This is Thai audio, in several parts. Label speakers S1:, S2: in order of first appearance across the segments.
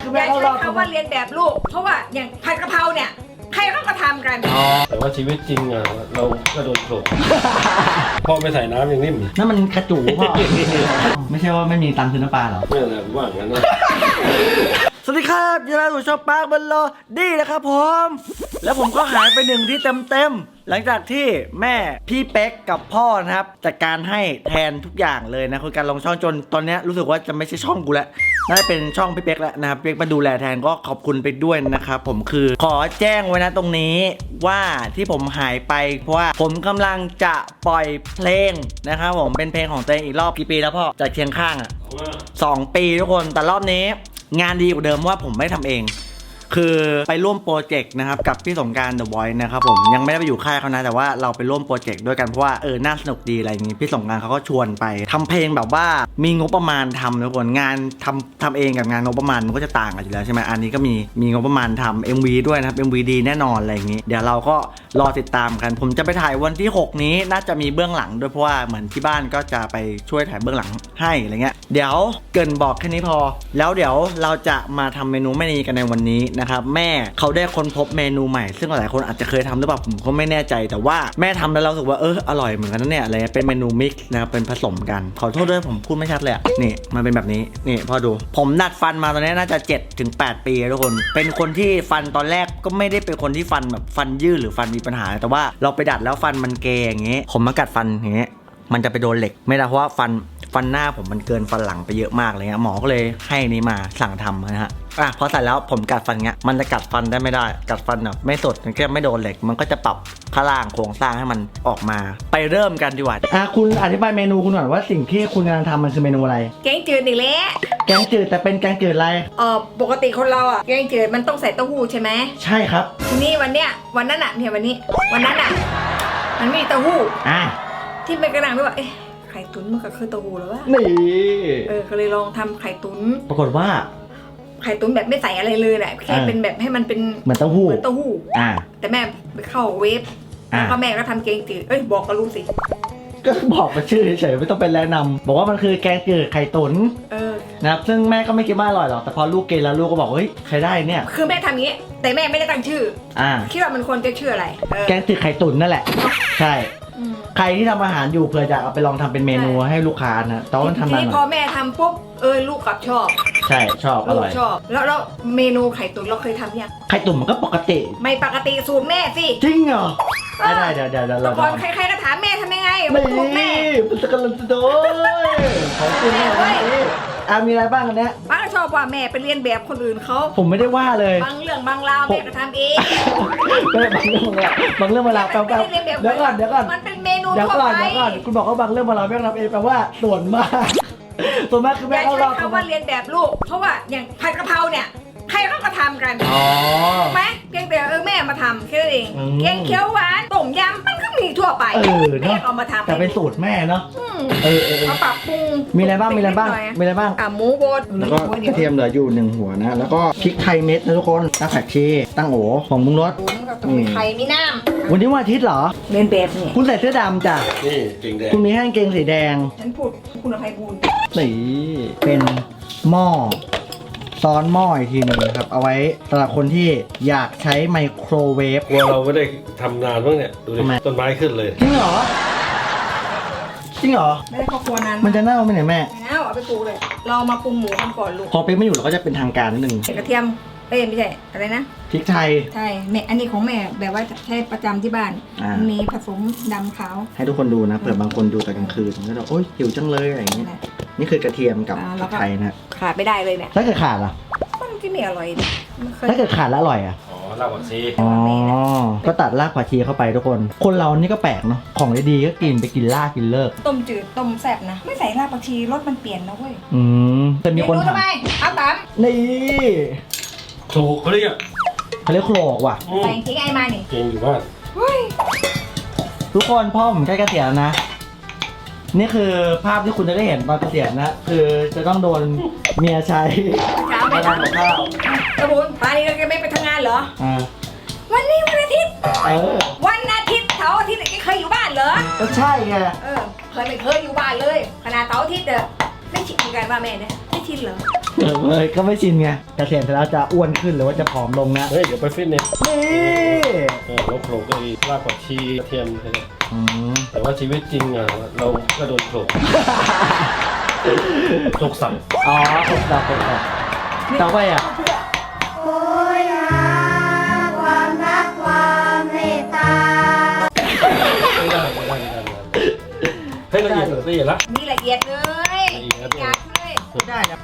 S1: คือ
S2: อ
S1: แม่
S2: ย่า
S1: เขา
S2: ใช้
S1: รอบ
S2: คำว่าเรียนแบบลูกเพราะว่าอย่างผัดกะเพราเนี่ยใครเขาก็ทำกัน
S3: แต่ว่าชีวิตจริงอ่ะเราก็โดนโขลกพ่อไม่ใส่น้ำยังนิ่ม
S1: นั่นมันกระจูพ่อ ไม่ใช่ว่าไม่มีตังค์ซื้อน้ำปลาหรอ
S3: นั่นแหละผมว่าอย่างนั้นนะ
S1: สวัสดีครับยินดีต้อนรับสู่ช่องปาร์คบัลโลดี้นะครับผมแล้วผมก็หายไป1ที่เต็มหลังจากที่แม่พี่เป๊กกับพ่อนะครับจัดการให้แทนทุกอย่างเลยนะคือการลงช่องจนตอนนี้รู้สึกว่าจะไม่ใช่ช่องกูแล้วน่าจะเป็นช่องพี่เป๊กแล้วนะครับเป๊กมาดูแลแทนก็ขอบคุณไปด้วยนะครับผมคือขอแจ้งไว้นะตรงนี้ว่าที่ผมหายไปเพราะว่าผมกำลังจะปล่อยเพลงนะครับผมเป็นเพลงของตัวเองอีกรอบกี่ปีแล้วพ่อจากเคียงข้างอ่ะ2 ปีทุกคนแต่รอบนี้งานดีกว่าเดิมว่าผมไม่ได้ทำเองคือไปร่วมโปรเจกต์นะครับกับพี่สงกรานต์ The Voice นะครับผมยังไม่ได้ไปอยู่ค่ายเขานะแต่ว่าเราไปร่วมโปรเจกต์ด้วยกันเพราะว่าน่าสนุกดีอะไรอย่างงี้พี่สงกรานต์เขาก็ชวนไปทำเพลงแบบว่ามีงบประมาณทำทุกคนงานทำเองกับงานงบประมาณมันก็จะต่างกันอยู่แล้วใช่ไหมอันนี้ก็มีงบประมาณทำ MV ด้วยนะครับ MV ดีแน่นอนอะไรอย่างงี้เดี๋ยวเราก็รอติดตามกันผมจะไปถ่ายวันที่6นี้น่าจะมีเบื้องหลังด้วยเพราะว่าเหมือนที่บ้านก็จะไปช่วยถ่ายเบื้องหลังให้อะไรเงี้ยเดี๋ยวเกริ่นบอกแค่นี้พอแล้วเดี๋ยวเราจะมาทำเมนูแม่นีกันในวันนี้นะครับแม่เขาได้ค้นพบเมนูใหม่ซึ่งหลายคนอาจจะเคยทำหรือเปล่าผมก็ไม่แน่ใจแต่ว่าแม่ทำแล้วเรารู้สึกว่าอร่อยเหมือนกันนะเนี่ยอะไรเป็นเมนูมิกซ์นะครับเป็นผสมกันขอโทษด้วยผมพูดไม่ชัดเลยนี่มันเป็นแบบนี้นี่พอดูผมดัดฟันมาตอนนี้น่าจะ7-8 ปีทุกคนเป็นคนที่ฟันตอนแรกก็ไม่ได้เป็นคนที่ฟันแบบฟันยืดหรือฟันมีปัญหาแต่ว่าเราไปดัดแล้วฟันมันเกยอย่างเงี้ยผมมากัดฟันอย่างเงี้ยมันจะไปโดนเหล็กไม่ได้เพราะว่าฟันหน้าผมมันเกินฟันหลังไปเยอะมากเลยเงี้ยหมอก็เลยให้นี้มาสั่งทำนะฮะพอใส่แล้วผมกัดฟันเงี้ยมันจะกัดฟันได้ไม่ได้กัดฟันแบบไม่สดมันก็ไม่โดนเหล็กมันก็จะปรับข้างล่างโครงสร้างให้มันออกมาไปเริ่มกันดีกว่าคุณอธิบายเมนูคุณหน่อยว่าสิ่งที่คุณกำลังทำมันคือเมนูอะไร
S2: แกงจืดอีกแล้ว
S1: แกงจืดแต่เป็นแกงจืดอะไร
S2: ปกติคนเราอ่ะแกงจืดมันต้องใส่เต้าหู้ใช่ไหม
S1: ใช่ครับ
S2: ทีนี้วันนั้นอ่ะเนี่ยวันนั้นอ่ะมันไม่มีเต้าหู้ที่เป็นกระดังด้วยว่าไข่ตุ๋นมันก็คือเต้าหู้หรือวะ
S1: นี่
S2: ก็เลยลองทำไข่ตุ๋น
S1: ปรากฏว่า
S2: ไข่ตุ๋นแบบไม่ใส่อะไรเลยแหละแค่เป็นแบบให้มันเป็น
S1: เหมือนเต้าหู้
S2: แต่แม่ไปเข้าเวฟแล้วก็แม่ก็ทำแกงจืดบอกก็รู้สิ
S1: ก็บอกมาชื่อเฉยๆไม่ต้องเป็นแนะนำบอกว่ามันคือแกงจืดไข่ตุ๋นนะครับซึ่งแม่ก็ไม่คิดว่าอร่อยหรอกแต่พอลูกกินแล้วลูกก็บอกเฮ้ยใครได้เนี่ย
S2: คือแม่ทำอย่างนี้แต่แม่ไม่ได้ตั้งชื่อคิดว่ามันควรจะชื่ออะไร
S1: แกงจืดไข่ตุ๋นนั่นแหละใช่ใครที่ทำอาหารอยู่เผื่อจะเอาไปลองทำเป็นเมนูให้ลูกค้านะแต่ว่ามันทำนาน
S2: พอแม่ทำปุ๊บลูกกับชอบ
S1: ใช่ชอบอร่อย
S2: ชอบแล้วเมนูไข่ตุ๋นเราเคยทำยัง
S1: ไข่ตุ๋นมันก็ปกติ
S2: ไม่ปกติสูตรแม่สิ
S1: จริงเหรอได้เดี๋ยวเรา
S2: ก่อนใครๆก็ถามแม่ทำยังไงสูตรแม่
S1: มันจะกำลังจะโดนของคุณแม่มีอะไรบ้างอันเนี้ย
S2: ป้าชอบว่าแม่ไปเรียนแบบคนอื่นเขา
S1: ผมไม่ได้ว่าเลย
S2: บางเรื่องบางราวแม่ก็ทำเอง
S1: ไม่บางเรื่องเวลาแปลว่าเดี๋ยวก่อน
S2: มันเป็นเมนู
S1: ทั่วไปคุณบอกว่าบางเรื่องเวลาแม่ทำเองแปลว่าส่วนมากคือแม่
S2: เขาใช้คำว่าเรียนแบบลูกเพราะว่าอย่างผัดกะเพราเนี่ยใครเขาก็ทำกันไหมเพียงแต่แม่มาทำแค่นั้นเองแกงเขียวหวานต้มยำมันก็มีทั่วไปแม่เอามาทำ
S1: แต่เป็นสูตรแม่เนาะ
S2: มาปรับปรุง
S1: มีอะไรบ้าง
S2: หมูบด
S1: แล้วก็กระเทียมเหลืออยู่1 หัวนะแล้วก็พริกไทยเม็ดนะทุกคนรากผักชีตั้งโอของมุ้งรส
S2: ไข่มีน้
S1: ำวันนี้วันอาทิตย์เหรอ
S2: เรียนแบบนี่
S1: คุณใส่เสื้อดำจ้ะ
S3: นี่เกงแดง
S1: คุณมีแห้งเกงสีแดง
S2: ฉันพูดคุณอภัยบูลย์
S1: นี่เป็นหม้อซ้อนหม้ออีกทีนึงครับเอาไว้สำหรับคนที่อยากใช้ไมโครเวฟ
S3: เราไม่ได้ทำนานบ้างเนี่ยดูดิต้นไม้ขึ้นเลย
S1: จริงเหรอ
S2: ไม่ได้ครอบครัวนาน
S1: มันจะเน่าไหมเนี่ยแม่
S2: ไม่เน่าเอาไปปรุงเลยเรามาปรุงหมูกันก่อนลูก
S1: พอเป๊กไม่อยู่เราก็จะเป็นทางการนิดนึง
S2: กระเทียมไม่ใช่อะไรนะ
S1: พริกไทย
S2: ใช่แม่อันนี้ของแม่แบบว่าใช้ประจำที่บ้านมีผสมดำขาว
S1: ให้ทุกคนดูนะเผื่อบางคนดูแต่กลางคืนก็จะโอ๊ยหิวจังเลยอะไรอย่างเงี้ยนี่คือกระเทียมกับพริกไทยนะ
S2: ขาดไม่ได้เลยเนี่ย
S1: ถ้าเกิดขาดล่ะ
S2: มันที่ไม่อร่อย
S1: ถ้าเกิดขาดแล้วอร่อย
S3: รากผักชี
S1: ก็ตัดรากผักชีเข้าไปทุกคนเรานี่ก็แปลกเนาะของดีๆก็กินไปกินรากกินเลิก
S2: ต้มจืดต้มแซ่บนะไม่ใส่รากผักชีรสมันเปลี่ยนนะเว้ย
S1: แต่มีคน
S2: ถามทำไมเอาตาม
S1: นี่
S3: โขลกเขาเรียก
S1: โขลกว่ะ
S2: ใส่ทิ้งไอ้มานี่
S3: เก่งอยู่บ้าน
S1: ทุกคนพ่อผมใกล้เกษียณนะนี่คือภาพที่คุณจะได้เห็นตอนเกษียณนะคือจะต้องโดนเมียใช้
S2: มาทำกับข้าวกระบุนป่านนี้เราจะไม่ไปทำงานเหรอวันนี้วันอาทิตย์วันอาทิตย์เสาร์อาทิตย์แกเคยอยู่บ้านเหรอ
S1: ก็ใช่ไง
S2: ไม่เคยอยู่บ้านเลยขนาดเสาร์อาทิตย์ไม่ชินกันว่าแม่เนี่ยไม่ชินเหรอ
S1: เลยก็ไม่ชินไงเกษียณเสร็จแล้วจะอ้วนขึ้นหรือว่าจะผอมลงนะ
S3: เฮ้ยเดี๋ยวไปฟิตเนส
S1: นี่
S3: เราโขลกไอ้รากผักชีกระเทียมอะไรเนี่ย
S1: อืม
S3: แต่ว่าชีวิตจริงเราก็โดนโขลกโขลกสั่ง
S1: อ๋อครบแล้วต่อไปอ่ะ
S4: โอ้ยหาความรักความเมตตา
S3: ไม่ได้ให้ละเอียดละ
S2: นี่ละเอียดเลย
S3: ละเอียดเลย
S2: หยาบเลย
S1: ได้นะ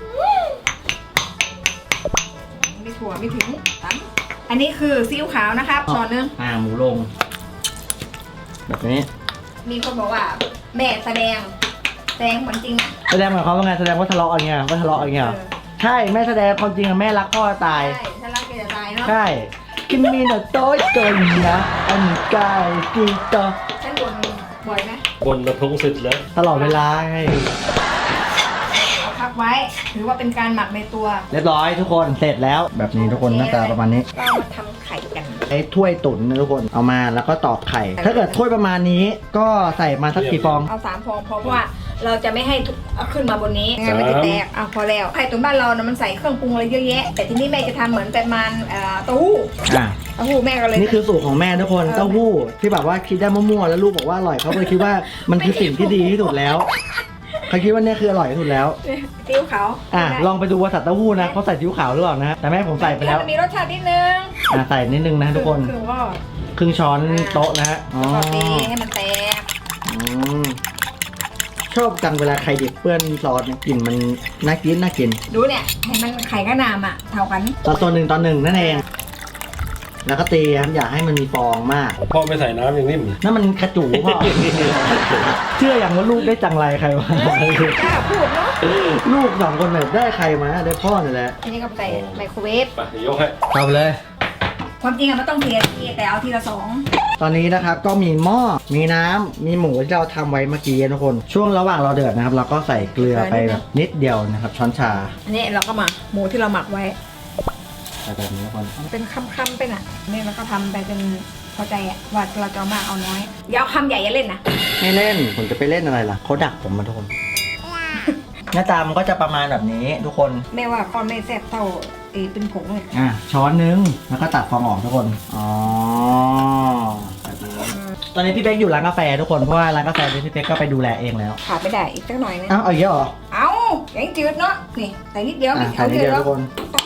S2: ไม่ถั่วไม่ถึงตันอันนี้คือซีอิ๊วขาวนะครับช้อนนึง
S1: หมูลง แบบนี้
S2: มีคนบอกว่าแม่แสดงเหมือนจริงนะ
S1: แสดงหมายความว่าไงแสดงว่าทะเลาะอะไรเงี้ยว่าทะเลาะอะไรเงี้ย
S2: เออ
S1: ใช่แม่แสดงความจริงอะแม่รักพ่อตาย
S2: ใช่ถ้ารักแกจะตายเนาะ
S1: ใช่กินมีหน่อยโต๊ะจนนะอันกายกีโต
S2: ฉันบ่นบ่อยไหม
S3: บนมาพงศิษย์แล้ว
S1: ตลอดเวลาไง
S2: เอาพักไว้ถือว่าเป็นการหมักในตัว
S1: เรียบร้อยทุกคนเสร็จแล้วแบบนี้ทุกคนหน้าตาประมาณนี้
S2: เรามาทำไข่กัน
S1: ไอ้ถ้วยตุ๋นนะทุกคนเอามาแล้วก็ตอกไข่ ถ้าเกิดถ้วยประมาณนี้ก็ใส่มาสักกี่ฟอง
S2: เอา3 ฟองพอเพราะว่าเราจะไม่ให้ทุกเอาขึ้นมาบนนี้งั้นมันจะแตกเอาพอแล้วไข่ตุ๋นบ้านเรานะมันใส่เครื่องปรุงอะไรเยอะแยะ แต่ที่นี่แม่จะทำเหมือนประมาณเต้าหู้
S1: อ่ะ
S2: เต้าหู้แม่ก็เลย
S1: นี่คือสูตรของแม่ทุกคนเต้าหู้ที่แบบว่าคิดได้มั่วๆแล้วลูกบอกว่าอร่อยเขาเลยคิดว่ามันคือสิ่งที่ดีที่สุดแล้วเขาคิดว่าเนี่ยคืออร่อยที่สุดแล้ว
S2: ติ้วขาว
S1: ลองไปดูว่าสัตว์เต้าหู้นะเขาใส่ซีอิ๊วขาวหรือเปล่านะแต่แม่ผมใส่ไปแล้ว
S2: มันมีรสชาตินิดนึง
S1: ใส่นิดนึงนะทุกคน
S2: คือว่า
S1: ครึ่งช้อนโต๊ะนะฮะอ๋อ
S2: ก็ตีให้มันแตก
S1: อืมชอบจังเวลาไข่ดิบเปื้อนซอสเนี่ยกลิ่นมันน่ากิน
S2: ดูเนี่ยเห็นมันไข่กับน้ำอ่ะเท่ากัน
S1: ตอนหนึ่งนั่นเอง แล้วก็ตีครับอย่าให้มันมีฟองมาก
S3: พ่อไม่ใส่น้ำอย่างนิ่ม
S1: นั่นมันกระจูพ่อ เชื่ออย่างว่าลูกได้จังไรใครมา
S2: กล้าพูดเนาะ
S1: ลูก2 คนเนี่ยได้ใครมาได้พ่อนี่แหละ
S2: อันนี้ก็ใส่ไมโครเวฟ
S3: ไปยกให้
S1: เข้าไปเลย
S2: ความจริงอะมันต้องเทแต่เอาทีละ
S1: ตอนนี้นะครับก็มีหม้อมีน้ำมีหมูที่เราทำไว้เมื่อกี้นะทุกคนช่วงระหว่างเราเดือดนะครับ เราก็ใส่เกลือไปแบบนิดเดียวนะครับ ช้อนชา
S2: 2อันนี้เราก็มาหมูที่เราหมักไว้
S1: ใส่แบบนี้ทุกคน
S2: เป็นคำๆไปน่ะนี่เราก็ทำไปเป็นพอใจอะว่าเราจะเอามากเอาน้อยอย่าเอาคำใหญ่อย่าเล่นนะ
S1: ไม่เล่นผมจะไปเล่นอะไรล่ะเขาดักผมมาทุกคน หน้าตามันก็จะประมาณแบบนี้ทุกคน
S2: แม่ว่าก้อนไม่แซ่บเท่าเป็นผงเลย
S1: ช้อนนึงแล้วก็ตัดฟองออกทุกคนอ๋อแบบนี้ตอนนี้พี่เป๊กอยู่ร้านกาแฟทุกคนเพราะว่าร้านกาแฟนี้พี่เป๊กก็ไปดูแลเองแล้ว
S2: ขาดไม่ได้อีกสักหน่อยนึง
S1: อ้าวเอาเยอะเหรอ
S2: เอาอย่างจืดเนาะนี่ใส่นิดเดียว
S1: ใส่นิดเดียวทุกคน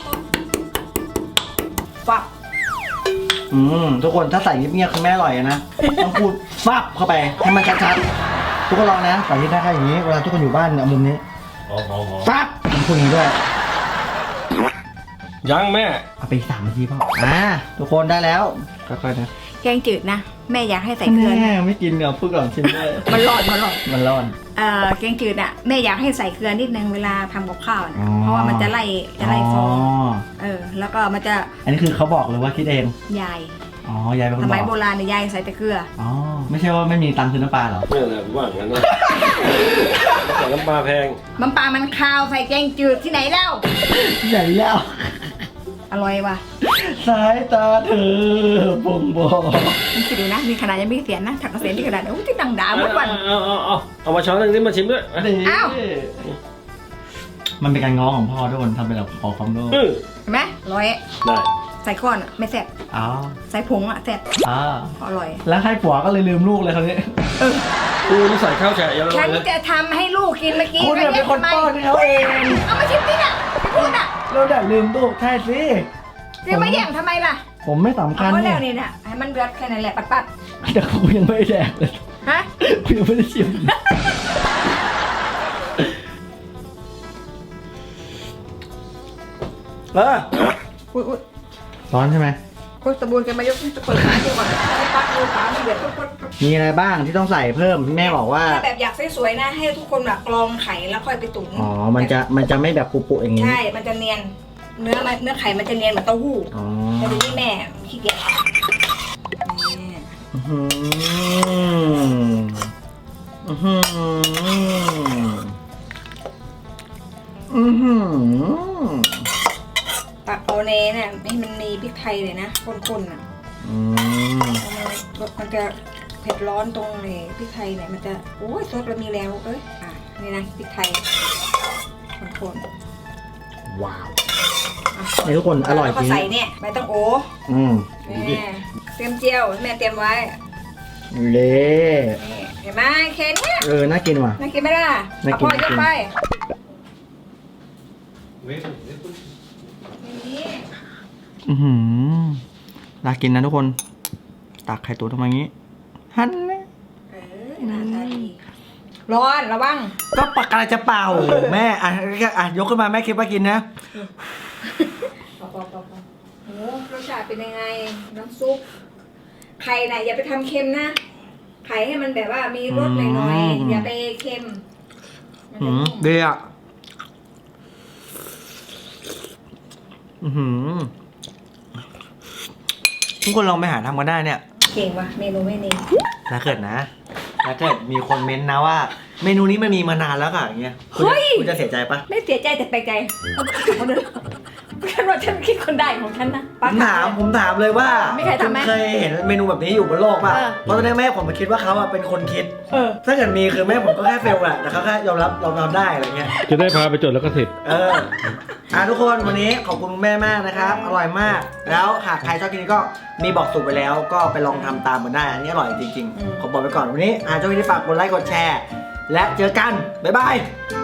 S2: ฟัก
S1: ทุกคนถ้าใส่เงียบๆคือแม่อร่อยนะต้องพูดฟับเข้าไปให้มันชัดๆทุกคนลองนะใส่ที่หน้าแค่อย่างนี้เวลาทุกคนอยู่บ้านเนี่ยมุมนี้
S3: หอม
S1: ฟับผมพูดอย่างนี้ด้วย
S3: ยังแม่
S1: เอาไปอีก3 นาทีเปล่าทุกคนได้แล้วค่อยๆนะ
S2: แกงจืดนะแม่อยากให้ใส่เกลือ
S1: แม่ไม่กินเดี๋ยวพูดก่อนชิมด้วย
S2: มันร้อน
S1: มันร้อน
S2: แกงจืดอ่ะแม่อยากให้ใส่เกลือนิดนึงเวลาทำกับข้าวนะ
S1: อ๋อ
S2: เพราะว่ามันจะไล่ฟอง
S1: อ๋อ
S2: แล้วก็มันจะ
S1: อันนี้คือเขาบอกเลยว่าคิดเอง
S2: ยาย
S1: อ๋อยายเป็นค
S2: ส
S1: นบ
S2: มัย
S1: อก
S2: โบราณเนี่ยยายใส่แต่เกลือ
S1: อ๋อไม่ใช่ว่าไม่มีตังค์ซื้อน้ำปลาเหรอ
S3: นี่แหละผมว่าอย่างนั้นนะแต่น้ำปลาแพง
S2: มันปลามันคาวใส่แกงจืดที่ไหนแล้ว
S1: ใหญ่แล้ว
S2: อร่อยว่ะ
S1: สายตาเธอบ่งบอก
S2: มันคิดดูนะมีขนาดยังไม่เสียนนะถักกระเสียนที่ขนาดโอ้ที่ดังด่าหมดวัน
S3: เอามาช้อนหนึงที่มาชิมด้วย
S2: อ้าว
S1: มันเป็นการง้อของพ่อทุกคนทำเป็นแบบขอความรู้
S3: เออ
S2: เห็นไหมร้อย
S3: ได้
S2: ใส่ก้อนอะไม่แซ่บ
S1: อ๋อ
S2: ใส่ผงอะแซ่บ
S1: อ๋อ
S2: อร่อย
S1: แล้วให้ผัวก็เลยลืมลูกเลยคราวนี้
S3: กูนี่ใส่ข้าวแฉะเยอะ
S2: ฉัน
S3: เลย
S2: จะทำให้ลูกกินเมื่อกี้
S1: คุณเนี่ยเป็นคนป้อนให้เขาเอง
S2: เอามาชิมดิน่ะไม่พูดอ่ะ
S1: เราดัดลืมลูกใช่สิ
S2: จะมาแย่งทำไมล่ะ
S1: ผมไม่สำคัญ
S2: เอาแล้
S1: เนี่
S2: วย นี่น่ะให้มันเดือดแค่นั้นแหละปัด
S1: แต่กูยังไม่ได้แดกเลย
S2: ๆฮะ
S1: กูยังไม่ได้ชิม
S2: อุ้ย
S1: ร้อนใช่ไหม
S2: คุณตะบูนกันมายกจะเปิดฝาดีกว่าให้ปักดูฝามันเดือดปุ๊บ
S1: มีอะไรบ้างที่ต้องใส่เพิ่มแม่บอกว่า
S2: ถ้าแบบอยากสวยๆนะ ให้ทุกคนแบบกรองไข่แล้วค่อยไปตุ๋น
S1: อ๋อมันจะไม่แบบปุๆอย่างนี้
S2: ใช่ มันจะเนียนเนื้อไข่มันจะเนียนเหมือนเต้าหู้
S1: อ๋อ
S2: แต่ดูที่แม่ขี้เกียจ
S1: อื้อหืออื้อหืออื้อหือ
S2: ตักโอเนเนี่ยให้มันมีพริกไทยเลยนะข้นๆอ่ะ
S1: อืม
S2: มันจะเผ็ดร้อนตรงเลยพริกไทยเนี่ยมันจะโอ้ยซดเรามีแล้วนี่นะพริกไทยคน
S1: ว้าวนี่ทุกคนอร่อย
S2: แล้ว
S1: จ
S2: ก็
S1: ริง
S2: ใส่เนี่ยใบตังโอ
S1: อืม
S2: เนี่ยเตรียมเจียวแม่เตรียมไว้
S1: เละ
S2: นี่เห็นไหมแค่เนี้ย
S1: น่ากินว่ะ
S2: น่ากินไหมล่ะ
S1: น่ากิน
S2: พ่อยกไป
S3: เว้ย
S2: นี่
S1: น่ากินนะทุกคนตักไข่ตุ๋นทำไมงี้ฮันนะ
S2: หน้าตาดีร้อนระวัง
S1: ก็ปากกาจะเป่าแม่ยกขึ้นมาแม่คิดว่ากินนะ
S2: ปอโอ้รสชาติเป็นยังไงน้ำซุปไข่น่ะอย่าไปทำเค็มนะไข่ให้มันแบบว่ามีรสหน่อยๆอย่าไปเค็มมันจะนุ่ม
S1: ดีอ่ะทุกคนลองไปหาทำกันได้เนี่ย
S2: เก่งว่ะเมนูไม่นี่
S1: ถ้าเกิดมีคนเม้นต์นะว่า เมนูนี้มันมีมานานแล้วค่ะอย่างเงี้ยคุณจะเสียใจปะ
S2: ไม่เสียใจแต่แปลกใจฉันว่าฉันคิดคนได้ของฉันนะ
S1: ผมถามเลยว่า
S2: ไม่เคยทำไหม
S1: เคยเห็นเมนูแบบนี้อยู่บนโลกป่ะ
S2: เออ
S1: เพราะตอนนี้แม่ผมมาคิดว่าเขาเป็นคนคิด ถ้าเกิดมีคือแม่ผมก็แค่เฟลแหละแต่เขาแค่ยอมรับได้อะไรเงี้ย
S3: จะได้พาไปจดแล้วก็เสร็จ
S1: ทุกคนวันนี้ขอบคุณแม่มากนะครับ อร่อยมาก แล้วหากใครชอบกินก็มีบอกสูตรไปแล้ว ก็ไปลองทำตามกันได้ อันนี้อร่อยจริงๆ ขอบอกไปก่อนวันนี้ชอบกินฝากกดไลค์กดแชร์ และเจอกัน บ๊ายบาย
S2: บ